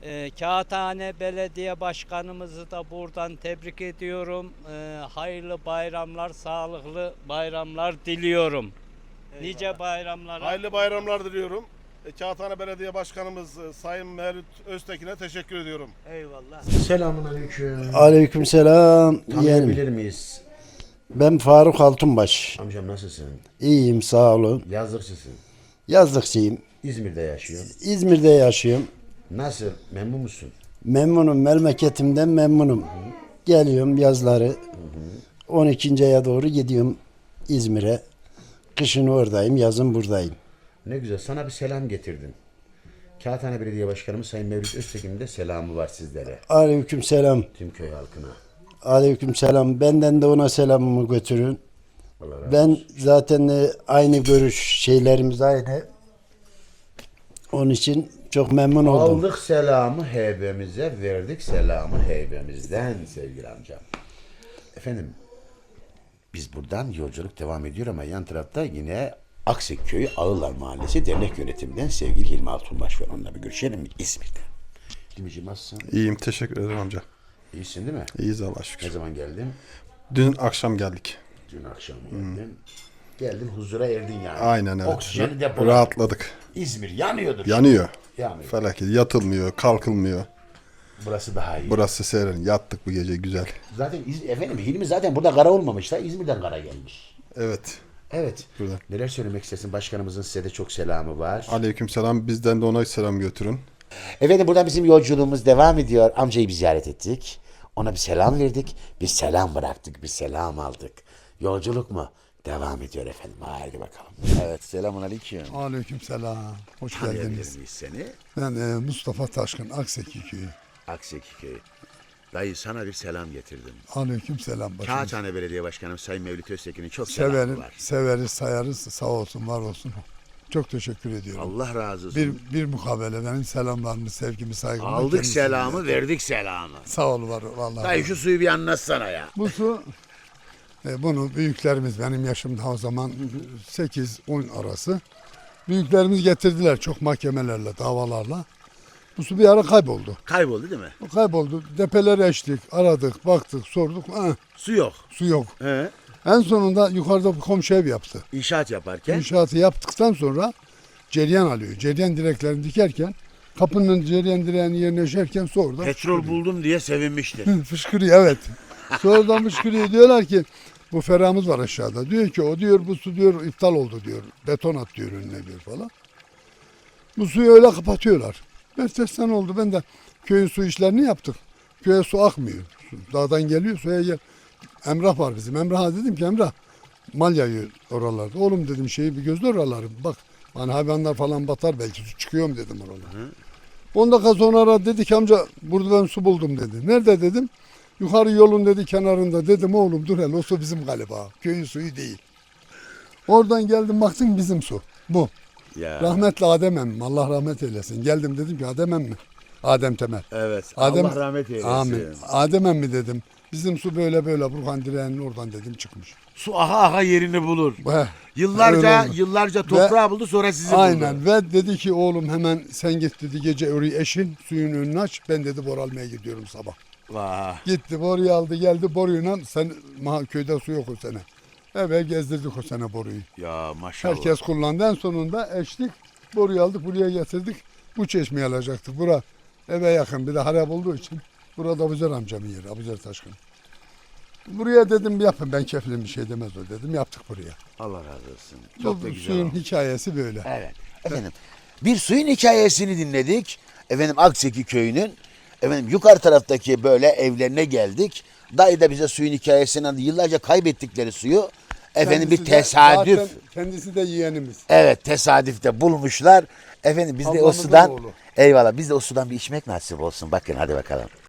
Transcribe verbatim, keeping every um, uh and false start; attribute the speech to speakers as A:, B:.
A: E, Kağıthane Belediye Başkanımızı da buradan tebrik ediyorum. E, hayırlı bayramlar, sağlıklı bayramlar diliyorum.
B: Eyvallah.
A: Nice bayramlara.
B: Hayırlı bayramlar diliyorum. E, Kağıthane Belediye Başkanımız e, Sayın Mevlüt Öztekin'e teşekkür ediyorum.
C: Eyvallah.
D: Selamun aleyküm.
E: Aleykümselam.
D: Tanıyabilir
E: Yeğenim.
D: miyiz?
E: Ben Faruk Altunbaş.
D: Amcam nasılsın?
E: İyiyim, sağ olun.
D: Yazlıkçısın.
E: Yazlıkçıyım.
D: İzmir'de yaşıyorsun.
E: İzmir'de yaşıyorum.
D: Nasıl? Memnun musun?
E: Memnunum, memleketimden memnunum. Geliyorum yazları. on ikinci aya doğru gidiyorum İzmir'e. Kışın oradayım, yazın buradayım.
D: Ne güzel. Sana bir selam getirdim. Kağıthane Belediye Başkanımız Sayın Mevlüt Öztekin'in de selamı var sizlere.
E: Aleykümselam.
D: Tüm köy halkına.
E: Aleykümselam. Benden de ona selamımı götürün.
D: Allah razı
E: Ben
D: olsun.
E: zaten e, aynı görüş şeylerimiz aynı. Onun için çok memnun oldum.
D: Aldık selamı heybemize, verdik selamı heybemizden sevgili amcam. Efendim, biz buradan yolculuk devam ediyor ama yan tarafta yine Aksek Köyü Ağırlar Mahallesi Dernek Yönetiminden sevgili Hilmi Altunbaş var. Onunla bir görüşelim mi? İzmir'de. Hilmi'ciğim nasılsın?
F: İyiyim, teşekkür ederim amca.
D: İyisin değil mi?
F: İyiyiz Allah'a
D: Ne
F: şükür.
D: zaman geldin?
F: Dün akşam geldik.
D: Dün akşam geldin. Geldin huzura erdin yani.
F: Aynen evet.
D: Oksijeni depoladın.
F: Rahatladık.
D: İzmir yanıyordur.
F: Yanıyor.
D: Yanıyor.
F: Felaket. Yatılmıyor, kalkılmıyor.
D: Burası daha iyi.
F: Burası serin. Yattık bu gece güzel.
D: Zaten İz- efendim Hilmi zaten burada kara olmamış da İzmir'den kara gelmiş.
F: Evet.
D: Evet.
F: Burada.
D: Neler söylemek istersin? Başkanımızın size de çok selamı var.
F: Aleykümselam. Bizden de ona selam götürün.
D: Efendim buradan bizim yolculuğumuz devam ediyor. Amcayı bir ziyaret ettik. Ona bir selam verdik. Bir selam bıraktık. Bir selam aldık. Yolculuk mu? Devam ediyor efendim. Haydi bakalım. Evet. Selamun aleyküm.
G: Aleykümselam. Hoş
D: Tanıyabilir
G: geldiniz.
D: miyiz seni?
G: Ben e, Mustafa Taşkın, Akseki Köyü.
D: Akseki Köyü. Dayı sana bir selam getirdim.
G: Aleykümselam başım.
D: Kağıthane Belediye Başkanım Sayın Mevlüt Öztekin'in çok selamı
G: Severiz,
D: var.
G: severiz, sayarız. Sağ olsun, var olsun. Çok teşekkür ediyorum.
D: Allah razı olsun.
G: Bir, bir mukabele benim selamlarımı, sevgimi, saygımı.
D: Aldık
G: kendisine
D: selamı,
G: iletin.
D: verdik selamı.
G: Sağ ol, var vallahi.
D: Dayı şu suyu bir anlatsana ya.
G: Bu su, e, bunu büyüklerimiz benim yaşımda o zaman sekiz on arası. Büyüklerimiz getirdiler çok mahkemelerle, davalarla. Bu su bir ara kayboldu.
D: Kayboldu değil mi?
G: O kayboldu. Depeleri eştik, aradık, baktık, sorduk. Ah,
D: Su yok.
G: su yok.
D: He.
G: En sonunda yukarıda bir komşu ev yaptı.
D: İnşaat yaparken
G: İnşaatı yaptıktan sonra cereyan alıyor. Cereyan direklerini dikerken kapının cereyan direğini yerine eşerken su oradan
D: petrol
G: fışkırıyor.
D: buldum diye sevinmiştir.
G: Fışkırıyor evet. Sonradan fışkırıyor. Diyorlar ki bu ferahımız var aşağıda. Diyor ki o diyor bu su diyor iptal oldu diyor. Beton at diyor önüne diyor falan. Bu suyu öyle kapatıyorlar. Ertesi oldu. Ben de köyün su işlerini yaptık. Köye su akmıyor. Su dağdan geliyor suya gel. Emrah var bizim. Emrah'a dedim ki Emrah mal yayıyor oralarda. Oğlum dedim şeyi bir gözle oraları. Bak hani hayvanlar falan batar belki su çıkıyor mu dedim oralara. on dakika sonra dedi ki amca burada ben su buldum dedi. Nerede dedim. Yukarı yolun dedi kenarında dedim oğlum dur hele o su bizim galiba. Köyün suyu değil. Oradan geldim baktım bizim su. Bu.
D: Ya.
G: Rahmetli Adem emmim. Allah rahmet eylesin. Geldim dedim ki Adem emmi. Adem Temel.
D: Evet.
G: Adem,
D: Allah rahmet eylesin.
G: Amin. Adem emmi dedim. Bizim su böyle böyle Burhan direğinin oradan dedim çıkmış.
D: Su aha aha yerini bulur.
G: Heh,
D: Yıllarca
G: öyle oldu.
D: yıllarca toprağı buldu sonra sizi
G: Aynen
D: buldu.
G: ve dedi ki oğlum hemen sen git dedi gece orayı eşin suyun önünü aç. Ben dedi bor almaya gidiyorum sabah.
D: Vah.
G: Gitti boruyu aldı geldi boruyla sen maha- köyde su yok o sene. Eve gezdirdik o sene boruyu.
D: Ya maşallah.
G: Herkes kullandı. En sonunda eşlik boruyu aldık buraya getirdik. Bu çeşmeyi alacaktık. Bura eve yakın bir de harap olduğu için. Burada Abuzer amcamın yeri. Abuzer Taşkın. Buraya dedim yapın ben keflim bir şey demez o dedim. Yaptık buraya.
D: Allah razı olsun. Çok
G: Bu
D: da güzel
G: suyun
D: olmuş.
G: hikayesi böyle.
D: Evet. Efendim bir suyun hikayesini dinledik. Efendim Akseki köyünün efendim yukarı taraftaki böyle evlerine geldik. Dayı da bize suyun hikayesini anlattı. Yıllarca kaybettikleri suyu efendim bir
G: Kendisi de-
D: tesadüf.
G: zaten kendisi de yeğenimiz.
D: Evet tesadüfte bulmuşlar. Efendim biz de o
G: Ablamızın
D: sudan
G: oğlu.
D: eyvallah biz de o sudan bir içmek nasip olsun. Bakın hadi bakalım.